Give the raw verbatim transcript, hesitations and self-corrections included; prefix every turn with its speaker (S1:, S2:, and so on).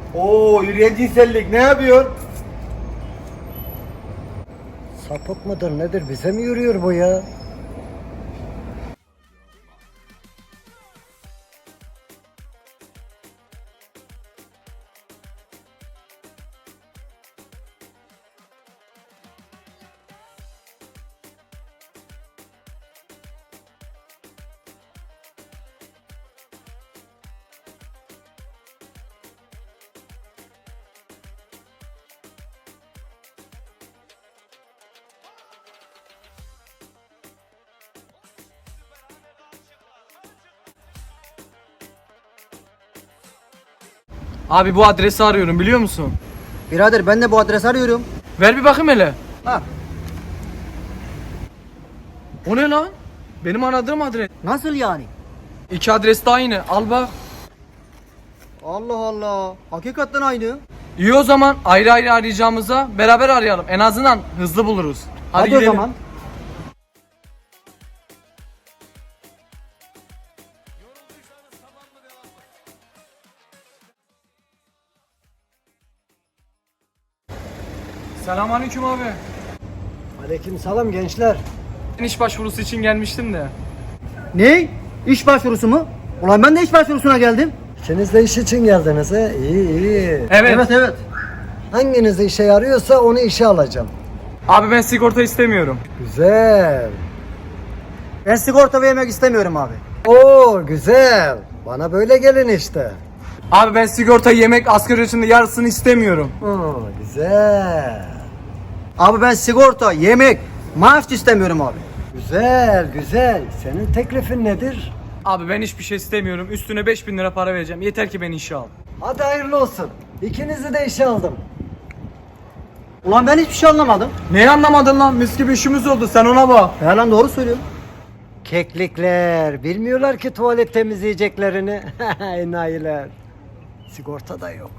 S1: Oo, yürüyen cinsellik ne yapıyor?
S2: Sapık mıdır nedir bize mi yürüyor bu ya?
S3: Abi bu adresi arıyorum biliyor musun?
S2: Birader ben de bu adresi arıyorum.
S3: Ver bir bakayım hele.
S2: Ha,
S3: O ne lan? Benim aradığım adres.
S2: nasıl yani?
S3: İki adres de aynı. Al bak.
S2: Allah Allah. Hakikaten aynı.
S3: İyi o zaman ayrı ayrı arayacağımıza beraber arayalım. En azından hızlı buluruz. Hadi,
S2: Hadi,
S3: gidelim.
S2: o zaman.
S3: Selamünaleyküm abi.
S2: Aleykümselam gençler.
S3: Ben iş başvurusu için gelmiştim de.
S2: Ne? İş başvurusu mu? Ulan ben de iş başvurusuna geldim. İkiniz de iş için geldiniz he? İyi iyi.
S3: Evet.
S2: Evet evet. Hanginiz işe yarıyorsa onu işe alacağım.
S3: Abi ben sigorta istemiyorum.
S2: Güzel. Ben sigorta vermek istemiyorum abi. Oo güzel. Bana böyle gelin işte.
S3: Abi ben sigorta, yemek, asgari ücretin yarısını istemiyorum.
S2: Oo güzel. Abi ben sigorta, yemek, maaş istemiyorum abi. Güzel güzel. Senin teklifin nedir?
S3: Abi ben hiçbir şey istemiyorum. Üstüne beş bin lira para vereceğim. Yeter ki beni işe al.
S2: Hadi hayırlı olsun. İkinizi de işe aldım. Ulan ben hiçbir şey anlamadım.
S3: Neyi anlamadın lan? Mis gibi işimiz oldu. Sen ona bak.
S2: Ya lan doğru söylüyorum. Keklikler bilmiyorlar ki tuvalet temizleyeceklerini. Enayiler. Sigorta da yok.